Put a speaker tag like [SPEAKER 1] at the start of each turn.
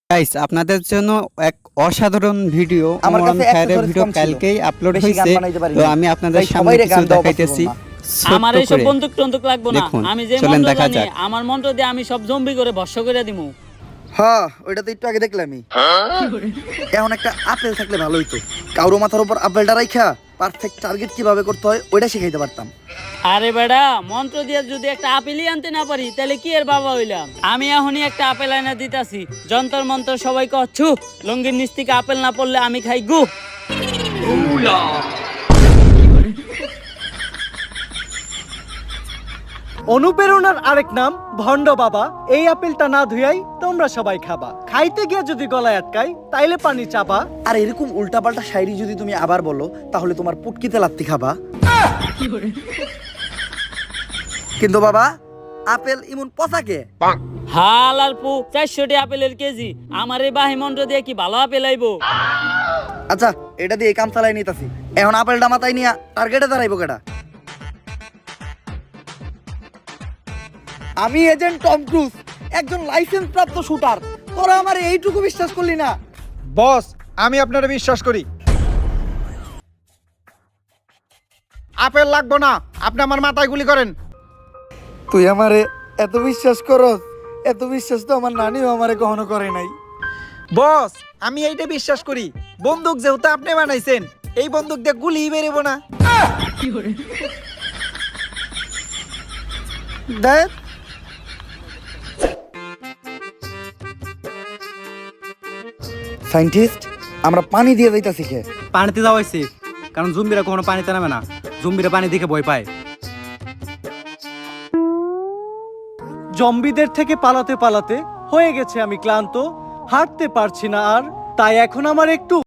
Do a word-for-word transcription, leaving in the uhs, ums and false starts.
[SPEAKER 1] Guys আপনাদের জন্য এক অসাধারণ ভিডিও
[SPEAKER 2] আমার
[SPEAKER 1] ওমরান
[SPEAKER 2] কাছে
[SPEAKER 1] খায়েরের
[SPEAKER 2] accessories
[SPEAKER 1] ভিডিও
[SPEAKER 2] কম ছিল।
[SPEAKER 1] কালকেই আপলোড
[SPEAKER 2] বেশি গান
[SPEAKER 1] হয়েছে।
[SPEAKER 2] বানাইতে পারি
[SPEAKER 1] তো
[SPEAKER 2] না।
[SPEAKER 1] আমি আপনাদের
[SPEAKER 2] তাই
[SPEAKER 1] সামনে
[SPEAKER 2] সবাইরে
[SPEAKER 1] কিছু
[SPEAKER 2] গান দেওয়া
[SPEAKER 1] দেখাইতেছি
[SPEAKER 2] possible
[SPEAKER 1] ছোট্ট
[SPEAKER 3] আমার এইসব
[SPEAKER 1] করে।
[SPEAKER 3] বন্দুক টন্দুক লাগবো না।
[SPEAKER 1] দেখুন,
[SPEAKER 3] আমি যে
[SPEAKER 1] চলেন
[SPEAKER 3] মন্ত্র
[SPEAKER 1] দেখা
[SPEAKER 3] জানি
[SPEAKER 1] যাক।
[SPEAKER 3] আমার মন্ত্র দিয়ে আমি সব জম্বি করে ভস্য করে দিমু।
[SPEAKER 2] হ্যাঁ ওইটা তো একটু আগে দেখলামই। এখন একটা আপেল থাকলে ভালো হইতো, কারো মাথার উপর আপেলটা রাইখা পারফেক্ট টার্গেট কিভাবে করতে হয় ওইটা শিখাইতে পারতাম।
[SPEAKER 3] আরে বেড়া, মন্ত্র দিয়ে যদি একটা আপেলই আনতে না পারি তাহলে কি এর বাবা হইলাম? আমি এখনই একটা আপেল আনা দিতাছি। যন্তর মন্ত্র সবাই কচ্ছু, লঙ্গির নিচ থেকে আপেল না পড়লে আমি খাই গু।
[SPEAKER 4] অনুপ্রেরণার আরেক নাম ভণ্ড বাবা। এই আপেলটা না ধুয়াই তোমরা সবাই খাবা, খাইতে গিয়ে যদি গলায় আটকাই তাইলে পানি চাবা।
[SPEAKER 2] আর এরকম উল্টাপাল্টা শায়রি যদি তুমি আবার বলো তাহলে তোমার পুটকিতে লাত্তি খাবা। কিন্তু বাবা আপেল ইমন পচাকে
[SPEAKER 3] হাল আর পু চারশোটি আপেলের কেজি। আমার এই বাহি মন্ত্র দিয়ে কি ভালো আপেল আইবো?
[SPEAKER 2] আচ্ছা এটা দিয়ে কাম চালাই নিতাছি। এখন আপেলটা মাথায় নিয়া টার্গেটে দাঁড়াইবো কেডা? আমি এজেন্ট টম ক্রুজ, একজন লাইসেন্স প্রাপ্ত শুটার। তোরা আমার এইটুকু বিশ্বাস করলি না?
[SPEAKER 5] বস, আমি আপনারা বিশ্বাস করি। আপেল লাগবো না, আপনি আমার মাথায় গুলি করেন।
[SPEAKER 2] তুই আমারে এত বিশ্বাস করস? এত বিশ্বাস তো আমার নানিও আমারে কখনো করে নাই।
[SPEAKER 5] বস, আমি এইটা বিশ্বাস করি। বন্দুক যেহেতু আপনি বানাইছেন, এই বন্দুক দিয়ে গুলি বেরোবো না।
[SPEAKER 2] দেখ সায়েন্টিস্ট, আমরা পানি দিয়ে যাইতাছি কে?
[SPEAKER 4] পানিতে যাওয়া হয়েছে, কারণ জম্বিরা কখনো পানিতে নামে না। জম্বিরা পানি দেখে ভয় পায়। জম্বিদের থেকে পালাতে পালাতে হয়ে গেছে আমি ক্লান্ত, হাঁটতে পারছি না আর। তাই এখন আমার একটু